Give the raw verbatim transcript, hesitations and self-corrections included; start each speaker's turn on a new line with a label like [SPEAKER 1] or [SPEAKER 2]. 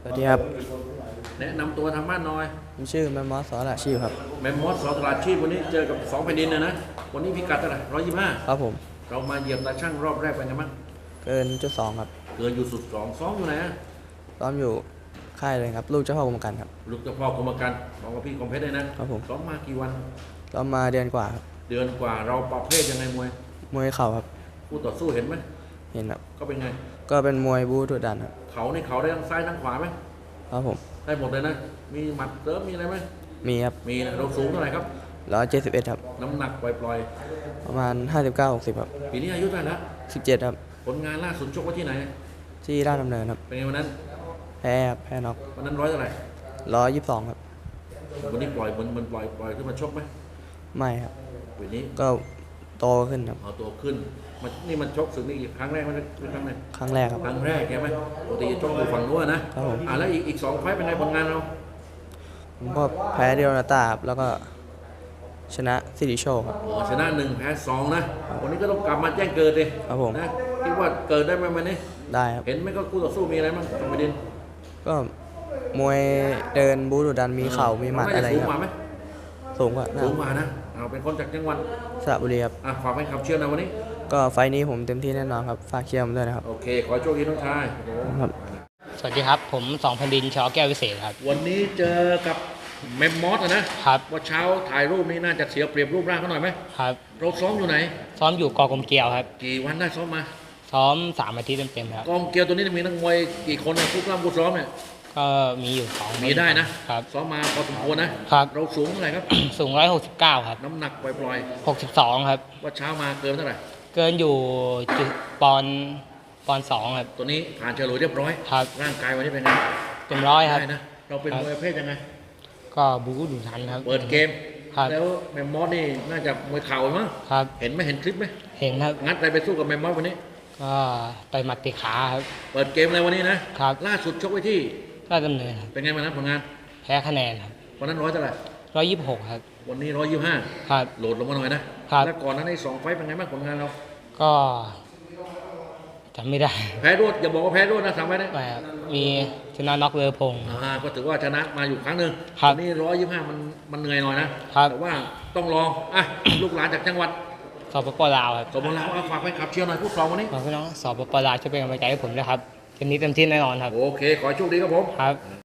[SPEAKER 1] วัสดีครับ
[SPEAKER 2] แนะนำตัวทางบ้านหน่อย
[SPEAKER 1] ผมชื่อแมมมอสสอระชีพครับ
[SPEAKER 2] แมมมอสสอตลาดชีพวันนี้เจอกับสองแผ่นดินเลยนะวันนี้พิกัดเท่าไหร่ร้อยยี่สิบห้า
[SPEAKER 1] ครับผม
[SPEAKER 2] เรามาเหยียบตาช่างรอบแรกเป็นไงบ้าง
[SPEAKER 1] เกินจุดสองครับ
[SPEAKER 2] เกินอยู่สุดสองซ้อมอยู่ไหนอะ
[SPEAKER 1] ซ้อมอยู่ค่ายเลยครับลูกเจ้าพ่อกรมการครับ
[SPEAKER 2] ลูกเจ้าพ่อกรมการของพี่คอมเพชรได้นะครับ
[SPEAKER 1] ผม
[SPEAKER 2] ซ้อมมากี่วัน
[SPEAKER 1] ซ้อมมาเดือนกว่าครับ
[SPEAKER 2] เดือนกว่าเราประเภทยังไงมวย
[SPEAKER 1] มวยเข่าครับ
[SPEAKER 2] คู่ต่อสู้เห็นไหม
[SPEAKER 1] เห็นครับ
[SPEAKER 2] ก็เป็นไง
[SPEAKER 1] ก็เป็นมวยบูดุดันครับ
[SPEAKER 2] เขาในเขาได้ทั้งซ้ายทั้งขวาไหม
[SPEAKER 1] ครับผม
[SPEAKER 2] ได้หมดเลยนะมีหมัดเติมมีอะไรไหม
[SPEAKER 1] มีครับ
[SPEAKER 2] มีนะเราสูงเท่าไหร่ครับ
[SPEAKER 1] ร้อยเจ็ดสิบเอ็ดครับ
[SPEAKER 2] น้ำหนักปล่อย
[SPEAKER 1] ประมาณห้าสิบเก้าหกสิบครับ
[SPEAKER 2] ๆปีนี้อายุเท่าไหร่แล้ว
[SPEAKER 1] สิบเจ็ดครับ
[SPEAKER 2] ผลงานล่าสุดชกไว้ที่ไหน
[SPEAKER 1] ที่ราชดำเนินครับ
[SPEAKER 2] เป็นไงวันนั้น
[SPEAKER 1] แพ้ครับแพ้น็อก
[SPEAKER 2] วันนั้นร้อยเท่าไหร่
[SPEAKER 1] ร้อยยี่สิบสองครับ
[SPEAKER 2] วันนี้ปล่อยมันมันปล่อยปล่อยขึ้นมาชกไหม
[SPEAKER 1] ไม่ครับ
[SPEAKER 2] วันนี้
[SPEAKER 1] ก็โตขึ้นครับ
[SPEAKER 2] เอาตัวขึ้นมันนี่มันชกสึกนี่ครั้งแรกไหมครั้งไหน
[SPEAKER 1] ครั้งแรกครับ
[SPEAKER 2] ครั้งแรกใช่ไหมปกติจะชกอยู่ฝั่งนู้นนะครับ
[SPEAKER 1] ผม
[SPEAKER 2] อ่าแล้วอีกอีกสองไฟต์เป็นไงผลงานเรา
[SPEAKER 1] ผมก็แพ้เดียวนาตาครับแล้วก็ชนะสิริโชคครับ
[SPEAKER 2] อ๋อชนะหนึ่งแพ้สองนะวันนี้ก็ต้องกลับมาแจ้งเกิดเลย
[SPEAKER 1] ครับผม
[SPEAKER 2] นะคิดว่าเกิดได้ไหมวันนี้
[SPEAKER 1] ได้ครับ
[SPEAKER 2] เห็นไหมก็คู่ต่อสู้มีอะไรบ้างตรงประเด็น
[SPEAKER 1] ก็มวยเดินบูดุดันมีเข่ามีหมัดอะไรครับ
[SPEAKER 2] สูงกว่าไหม
[SPEAKER 1] สูงกว่า
[SPEAKER 2] สูงกว่านะเอาเป็นคนจากจังหวัด
[SPEAKER 1] สระบุรีครับ
[SPEAKER 2] อ่ะฝากให้คำเชื่อนะวันนี้
[SPEAKER 1] ก็ไฟนี้ผมเต็มที่แน่นอนครับฝากเชียร์ผมด้วยนะครับ
[SPEAKER 2] โอเคขอโชคดีน้องชาย
[SPEAKER 1] ครับ
[SPEAKER 3] สวัสดีครับผมสองแผ่นดินชอแก้ววิเศษครับ
[SPEAKER 2] วันนี้เจอกับเมมมอสนะครับว่าเช้าถ่ายรูปนี้น่าจะเสียเปรียบรูปร่างเขาหน่อยไหม
[SPEAKER 3] ครับ
[SPEAKER 2] เราซ้อมอยู่ไหน
[SPEAKER 3] ซ้อมอยู่กอกรมเกลียวครับ
[SPEAKER 2] กี่วันได้ซ้อมมา
[SPEAKER 3] ซ้อมสามอาทิตย์เต็มๆครับ
[SPEAKER 2] กองเกียวตัวนี้มีนักมวยกี่คนนะคู่กล้ามคู่ซ้อมเนี่ย
[SPEAKER 3] ก็มีอยู่สอง
[SPEAKER 2] มีได้นะครับซ้อมมาพอสมควรนะครับเราสูงเท่าไหร่ครับ
[SPEAKER 3] สูงร้อยหกสิบเก้าครับ
[SPEAKER 2] น้ำหนักปล่อย
[SPEAKER 3] หกสิบสองครับ
[SPEAKER 2] ๆว่าเช้ามาเกินเท่าไหร่
[SPEAKER 3] เกินอยู่จุดปอนปอนสองครับ
[SPEAKER 2] ตัวนี้ผ่านเฉลยเรียบร้อย
[SPEAKER 3] ครับ
[SPEAKER 2] ร่างกายวันนี้เป็นไง
[SPEAKER 3] เต็มร้อยครับ
[SPEAKER 2] ได้นะเราเป็นมวยประเภทยังไง
[SPEAKER 3] ก็บู๊ดุดันครับ
[SPEAKER 2] เปิดเกม
[SPEAKER 3] ครับ
[SPEAKER 2] แล้วแมมมอสนี่น่าจะมวยเข่ามั้ง
[SPEAKER 3] ครับ
[SPEAKER 2] เห็นไหมเห็นคลิปไหม
[SPEAKER 3] เห็นครับ
[SPEAKER 2] งัดอะไรไปสู้กับแมมมอสวันนี้
[SPEAKER 3] ก็ต่อยหมัดติขาครับ
[SPEAKER 2] เปิดเกมเลยวันนี้นะครับล่าสุดชกไว้ที่
[SPEAKER 3] ราชดำเนินครับ
[SPEAKER 2] เป็นไงบ้างนะผลงาน
[SPEAKER 3] แพ้คะแนนครับ
[SPEAKER 2] วันนั้นร้อยเท่าไหร่
[SPEAKER 3] ร้อยยี่สิบหกครับ
[SPEAKER 2] วันนี้ร้อยยี่สิบห้า
[SPEAKER 3] ครับ
[SPEAKER 2] โหลดลงมาหน่อยนะครับแล้วก่อนนั้นไอ้สองไฟต์เป็นไงบ้างผลงานเรา
[SPEAKER 3] ก็จำไม่ได้
[SPEAKER 2] แพ้รวดอย่าบอกว่าแพ้รวดนะสามไฟต์นะ
[SPEAKER 3] มีชนะน็อกเลอพง
[SPEAKER 2] อ่าก็ถือว่าชนะมาอยู่ครั้งหนึ่ง
[SPEAKER 3] ครับ
[SPEAKER 2] วันนี้ร้อยยี่สิบห้ามันมันเหนื่อยหน่อยนะครับแต่ว่าต้องลองอ่ะลูกหลานจากจังหวัด
[SPEAKER 3] สปปลาวครับ
[SPEAKER 2] สปปลาวฝากไปขับเชียร์หน่อยพูดสองวันนี้
[SPEAKER 3] ขอพี่น้องสปปลาวช่วยเป็นกำลังใจให้ผมด้วยครับเกมนี้เต็มที่แน่นอนครับ
[SPEAKER 2] โอเคขอโชคดีครับผม
[SPEAKER 3] ครับ